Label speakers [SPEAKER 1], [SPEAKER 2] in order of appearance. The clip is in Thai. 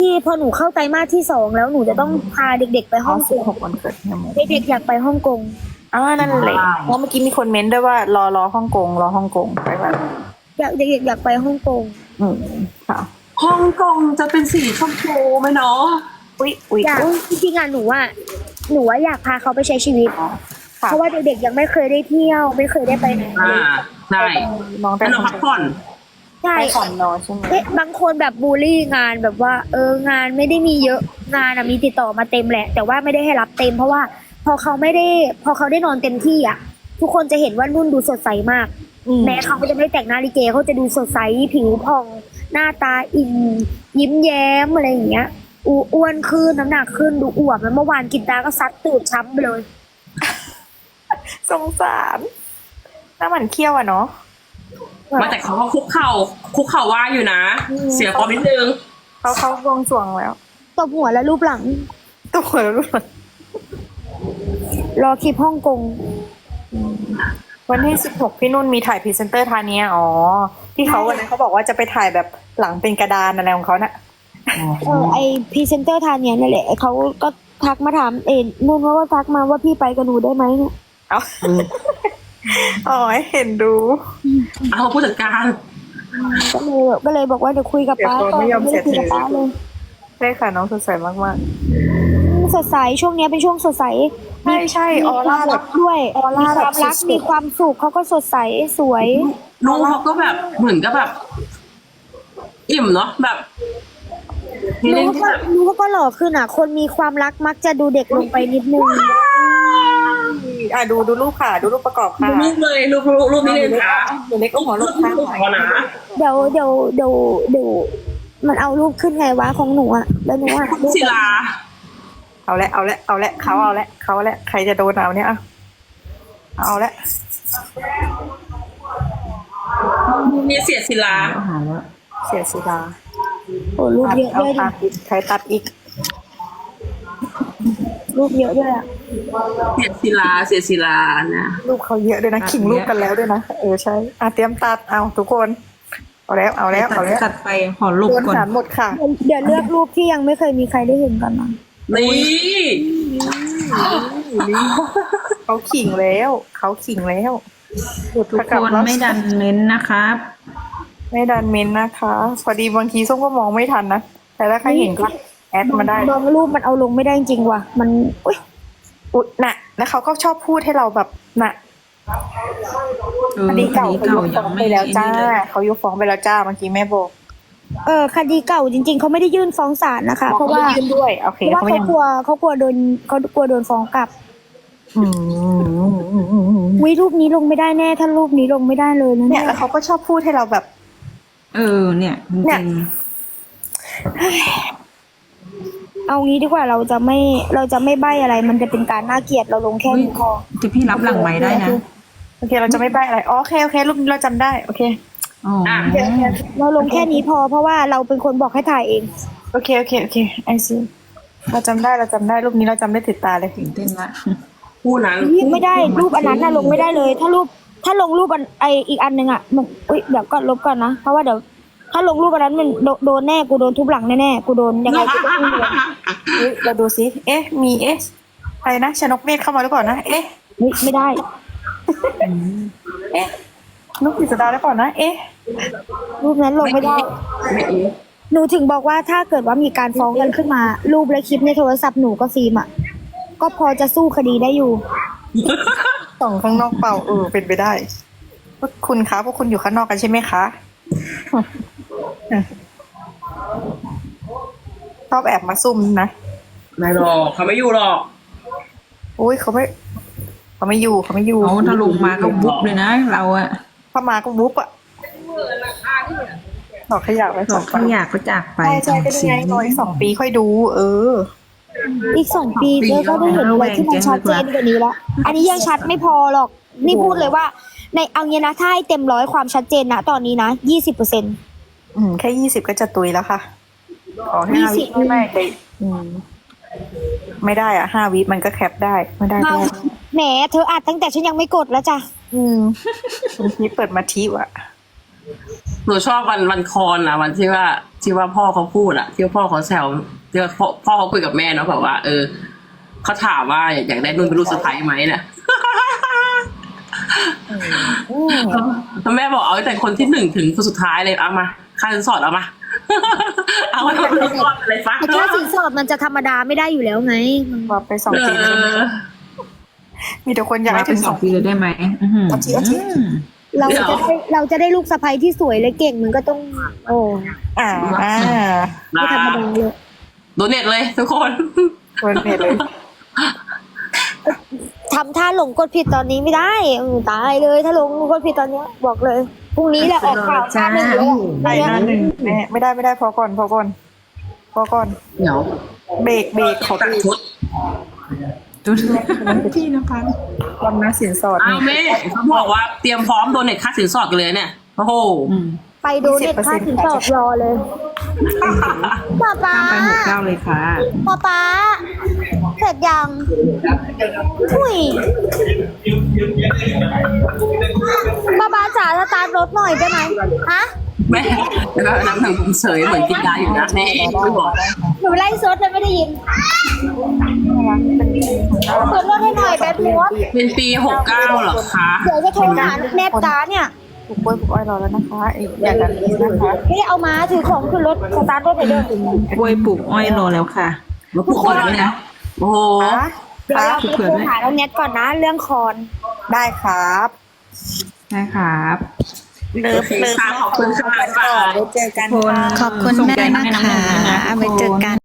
[SPEAKER 1] ที่พอหนูเข้าไตรมาสที่2แล้วหนูจะต้องพาเด็กๆไปฮ่องกง
[SPEAKER 2] 16 วันเกิดเนี่ยโม
[SPEAKER 1] เด็กๆอยากไปฮ่องกง
[SPEAKER 2] นั่นแหละเพราะเมื่อกี้มีคนเม้นด้วยว่ารอฮ่องกงไปแบบ
[SPEAKER 1] เด็กๆอยากไปฮ่องกง
[SPEAKER 2] ค่ะ
[SPEAKER 3] ฮ่องกงจะเป็นสีชมพูไหมเนาะ
[SPEAKER 2] อุ๊ย
[SPEAKER 1] อยากจริงๆอ่ะหนูว่าอยากพาเขาไปใช้ชีวิต
[SPEAKER 2] ค่ะ
[SPEAKER 1] เพราะว่าเด็กๆยังไม่เคยได้เที่ยวไม่เคยได้ไปไหน
[SPEAKER 3] ใช่
[SPEAKER 2] น้องไป
[SPEAKER 3] ให้น้องพักผ่อน
[SPEAKER 1] ใช่
[SPEAKER 2] ไปก่อนนอนใช่ไหม
[SPEAKER 1] บางคนแบบบูลลี่งานแบบว่างานไม่ได้มีเยอะงานมีติดต่อมาเต็มแหละ แต่ว่าไม่ได้ให้รับเต็ม เพราะว่าพอเขาได้นอนเต็มที่อ่ะทุกคนจะเห็นว่านุ่นดูสดใสมากแม้เขาจะไม่แต่งหน้าลิเกเขาจะดูสดใสผิวผ่องหน้าตาอิ่มยิ้มแย้มอะไรอย่างเงี้ยอ้วนขึ้นน้ำหนักขึ้นดูอวบแล้วเมื่อวานกินตาก็ซัดตูดช้ำไปเลย
[SPEAKER 2] สงสารหน้าหมันเคี้ยวอะเนาะ
[SPEAKER 3] มาแต่เขาก็คุกเข่าว่าอยู่นะ เสียฟอร์มนิดนึง
[SPEAKER 2] เขาวงสรวงแล้ว
[SPEAKER 1] ตบหัวและรูปหลัง
[SPEAKER 2] ตัวแล้วรู้สึก
[SPEAKER 1] รอคลิปฮ่องกง
[SPEAKER 2] วันที่16พี่นุ่นมีถ่ายพรีเซนเตอร์ทาเนียที่เขาวันนั้นเขาบอกว่าจะไปถ่ายแบบหลังเป็นกระดานอะไรของเขาน่ะ
[SPEAKER 1] ไอพรีเซนเตอร์ทานเนี่ยนั่นแหละเขาก็ทักมาถามนุ่นว่าทักมาว่าพี่ไปกับหนูได้ไหมเนี่ย
[SPEAKER 2] เอาให้เห็นดู
[SPEAKER 3] เอาผู้จัดการ
[SPEAKER 1] ก็เลยบอกว่าเดี๋ยวคุยกับป้า
[SPEAKER 2] เดี๋ยว
[SPEAKER 1] ก่อน
[SPEAKER 2] ไม่ยอม
[SPEAKER 1] ไม่ได้คุยกับ
[SPEAKER 2] เสีย
[SPEAKER 1] ป้าเลย
[SPEAKER 2] ใช่ค่ะน้องสดใสมาก
[SPEAKER 1] สดใสช่วงเนี้ยเป็นช่วงสดใส
[SPEAKER 2] ๆใช่
[SPEAKER 1] มี
[SPEAKER 2] ออ
[SPEAKER 1] ค
[SPEAKER 2] ร่าว
[SPEAKER 1] าม
[SPEAKER 2] แบ
[SPEAKER 1] รับ กด้วย
[SPEAKER 2] ออร่า
[SPEAKER 1] มีความรัก
[SPEAKER 2] แบบสุดๆ
[SPEAKER 1] มีความสุขเขาก็สดใสสวย
[SPEAKER 3] นุ่งเขาก็แบบเหมือนกับแบบ อิ่มเนาะแบบมีเรื่องที่แบบ
[SPEAKER 1] รู้ว่าก็หล่อขึ้นอ่ะ คนมีความรักมักจะดูเด็กลงไปนิดนึง
[SPEAKER 2] ดูรูปค่ะดูรูปประกอบค่ะ
[SPEAKER 3] รูปเลยรูปนี้เลยค่ะ
[SPEAKER 2] หนูเล็กก็หัวรูปค่ะ
[SPEAKER 3] รูปของนะ
[SPEAKER 1] เดี๋ยวมันเอารูปขึ้นไงวะของหนูอ่ะแล้วหนูอ่ะ
[SPEAKER 3] คุณศิลา
[SPEAKER 2] เอาละเขาละใครจะโดนเอาเนี่ยเอาละ
[SPEAKER 3] มีเสียศิลา
[SPEAKER 2] เสียสีดา
[SPEAKER 1] โอ้รูปเยอะด้วยดิ
[SPEAKER 2] ใครตัดอีก
[SPEAKER 1] รูปเยอะด้วยอ่ะ
[SPEAKER 3] เสียศิลานะ
[SPEAKER 2] รูปเขาเยอะด้วยนะขิงรูปกันแล้วด้วยนะใช่เตรียมตัดเอาทุกคนเอาแล้ว
[SPEAKER 4] ตัดไปขอลบ
[SPEAKER 2] โดน
[SPEAKER 4] ก่อน
[SPEAKER 2] สารหมดค่ะ
[SPEAKER 1] เดี๋ยวเลือกรูปที่ยังไม่เคยมีใครได้เห็นกันนะ
[SPEAKER 3] นี่
[SPEAKER 2] เขาขิงแล้ว
[SPEAKER 4] ทุกคนไม่ดันเม้นนะครับ
[SPEAKER 2] ไม่ดันเมนนะคะพอดีบางทีส้มก็มองไม่ทันนะแต่ถ้าใครเห็นก็แอดมาได้
[SPEAKER 1] บางรูปมันเอาลงไม่ได้จริงว่ะมันอุ๊ย
[SPEAKER 2] อุ๊ยน่ะแล้วเขาก็ชอบพูดให้เราแบบน่ะคดีเก่าเขายกฟ้องไปแล้วจ้าเขายกฟ้องไปแล้วจ้าเมื่อกี้แม่บอก
[SPEAKER 1] คดีเก่าจริง ๆเขาไม่ได้ยื่นฟ้องศาลนะคะ เพราะว่า
[SPEAKER 2] ขยื่นด้วยโอเค
[SPEAKER 1] เพราะว่าเขากลัวโดนฟ้องกลับ
[SPEAKER 2] อืม
[SPEAKER 1] วิรูปนี้ลงไม่ได้แน่ถ้ารูปนี้ลงไม่ได้เลยนะ
[SPEAKER 2] เนี่
[SPEAKER 1] เนี่ย ย
[SPEAKER 2] แล้วเขาก็ชอบพูดให้เราแบบ
[SPEAKER 4] เนี่ยจ
[SPEAKER 2] เนี่
[SPEAKER 4] ริ
[SPEAKER 2] ย
[SPEAKER 4] ง
[SPEAKER 1] เอางี้ดีกว่าเราจะไม่ใบ้อะไร มันจะเป็นการน่าเกลียดเราลงแค่นี้พอ
[SPEAKER 4] จะพี่รับหลังไม้ได้นะ
[SPEAKER 2] โอเคเราจะไม่ใบ้อะไรโอเครูปนี้เราจำได้โอเค
[SPEAKER 4] อ๋อ
[SPEAKER 1] เราลงแค่นี้พอเพราะว่าเราเป็นคนบอกให้ถ่ายเอง
[SPEAKER 2] โอเคไอซีเราจำได้รูปนี้เราจำได้ติดตาเลย
[SPEAKER 4] ตื่นเต้นละ
[SPEAKER 3] คู่นั้น
[SPEAKER 1] ไม่ได้รูปอันนั้นน่ะลงไม่ได้เลย ถ้าลงรูปอีกอันหนึ่งอ่ะมันเดี๋ยวก็ลบก่อนนะเพราะว่าเดี๋ยวถ้าลงรูปอันนั้นมันโดนแน่กูโดนทุบหลังแน่ๆกูโดนยังไงกูต้องโดน
[SPEAKER 2] เราดูซิมีอะไรนะชนกเมฆเข้ามาหรือเปล่านะ
[SPEAKER 1] ไม่ได้
[SPEAKER 2] นกกฤษดาหรือเปล่านะ
[SPEAKER 1] รูปนั้นลงไม่ได้ หนูถึงบอกว่าถ้าเกิดว่ามีการฟ้องกันขึ้นมา รูปและคลิปในโทรศัพท์หนูก็ฟิล์มอ่ะก็พอจะสู้คดีได้อยู่
[SPEAKER 2] ส่องข้างนอกเปล่าเป็นไปได้พวกคุณคะพวกคุณอยู่ข้างนอกกันใช่ไหมคะชอบแอบมาซุ่มนะ
[SPEAKER 3] ไม่หรอกเขาไม่อยู่หรอก
[SPEAKER 2] โอ้ยเขาไม่อยู่
[SPEAKER 4] เขาถ้าลงมาก็บุ๊บเลยนะ เราอะ
[SPEAKER 2] ถ้ามาก็วุบอ่ะดอกขยะไป
[SPEAKER 4] บ
[SPEAKER 2] ส
[SPEAKER 4] อ
[SPEAKER 2] อก ง
[SPEAKER 4] เขาอยากก็จากไป
[SPEAKER 2] ใช่เป็นยังไงรออีก2 ปีค่อยดู
[SPEAKER 1] อีก2 ปีก็ได้เห็นอะไรที่มันชัดเจนกว่านี้แล้วอันนี้ยังชัดไม่พอหรอกนี่พูดเลยว่า ในเอางี้นะถ้าให้เต็ม100ความชัดเจนนะตอนนี้นะ20%
[SPEAKER 2] แค่20ก็จะตุยแล้วค่ะขอให้5 วิ
[SPEAKER 1] 20
[SPEAKER 2] ไม่ได้ไม่ได้อ่ะ5 วิมันก็แคปได้ไม่ได้ก็ได้
[SPEAKER 1] แหมเธออัดตั้งแต่ฉันยังไม่กดแล้วจ้ะ
[SPEAKER 2] คุณพีเปิดมาทิวอะ
[SPEAKER 3] หนูชอบวันคอนอะวันที่ว่าพ่อเขาพูดอะที่ว่าพ่อเขาแซวที่ว่าพ่อเขาคุยกับแม่เนาะแบบว่า เขาถามว่าอยากได้นุ่นเป็นลูกสะใภ้ไหมเนี่ย แล้วแม่บอกเอาแต่คนที่1ถึงคนสุดท้ายเลยเอามาค่าสินสอดเอามา เอามาทำลูกสอดอะไรฟ้า
[SPEAKER 1] แต่ค่าสินสอดมันจะธรรมดาไม่ได้อยู่แล้วไง
[SPEAKER 2] บอกไป2 ปีแล้วมีแต่คนอยาก
[SPEAKER 4] มา
[SPEAKER 2] ให้
[SPEAKER 4] เป็
[SPEAKER 2] ถึ
[SPEAKER 4] น
[SPEAKER 2] ง
[SPEAKER 4] 2 ปีเลยได้ไหมอื้อหือ
[SPEAKER 2] เอาที
[SPEAKER 1] เราจะได้ลูกสะใภ้ที่สวยและเก่งมันก็ต้อง โอ้
[SPEAKER 2] อ่า
[SPEAKER 1] ไม่ธรรมดาเลย
[SPEAKER 3] โดเน็ตเลยทุกคน
[SPEAKER 2] คนเพจเลย
[SPEAKER 1] ทำท่าหลงกดผิดตอนนี้ไม่ได้ตายเลยถ้าหลงกดผิดตอนเนี้ยบอกเลยพรุ่งนี้แหละออกข่าวหน้าหนึ่งเลย
[SPEAKER 2] ได้หน้าหนึ่งแม่ไม่ได้พอก่อน
[SPEAKER 3] เดี๋ยว
[SPEAKER 2] เบรกขอ
[SPEAKER 3] ตัด
[SPEAKER 2] เบรก
[SPEAKER 3] ชุด
[SPEAKER 4] จุดพี่นภัส
[SPEAKER 2] วันนะสินสอด
[SPEAKER 3] อ้าวแม่เขาบอกว่าเตรียมพร้อมโดเน็ตค่าสินสอดกันเลยเนี่ยโอ้โห
[SPEAKER 1] ไปดูเน็ตค่าสินสอดรอเลยป๊าป๊า
[SPEAKER 4] ข้ามไป69เลยค่ะ
[SPEAKER 1] ป๊าเสร็จยังอุ้ยป๊าจ๋าสตาร์ทรถหน่อยได้ไหมฮะ
[SPEAKER 3] แม่แล้วก็น้ำหนังผมเฉยเหมือนกินยาอยู่นะแม่ไม่บอก
[SPEAKER 1] หนูไล่ซดเลยไม่ได้ยินเปิดรถให้หน่อยแบทมด
[SPEAKER 3] เป็นปี69เหรอคะ
[SPEAKER 1] เดี๋ยวจะโทรหาแนบตาเนี่ย
[SPEAKER 2] ปลูกกล้วยปลูกอ้อยรอแล้วนะคะอย่างนั้นนะคะ
[SPEAKER 1] ไม่ได้เอามาถือของขึ้นรถสตาร์ทรถไปเดิน
[SPEAKER 4] กล้วยปลูกอ้อยรอแล้วค่ะ
[SPEAKER 3] มาปลุกคนแล้วนะโอ้โห
[SPEAKER 1] เดี๋ยวเราไปโทรหาแล้วแนทก่อนนะเรื่องคอน
[SPEAKER 2] ได้ครับ
[SPEAKER 4] ได้ครับ
[SPEAKER 2] เลิฟ
[SPEAKER 3] ค่ะขอบคุณค่ะ
[SPEAKER 2] ไว้เจอกัน
[SPEAKER 4] คน
[SPEAKER 2] ค่ะ
[SPEAKER 5] ขอบคุณ
[SPEAKER 4] ส่ง
[SPEAKER 5] แม่
[SPEAKER 4] ใจ
[SPEAKER 5] นะ
[SPEAKER 4] ให้น้ำห
[SPEAKER 5] คะ
[SPEAKER 4] นึ่งด้วยนะ
[SPEAKER 5] ไว้เจอกัน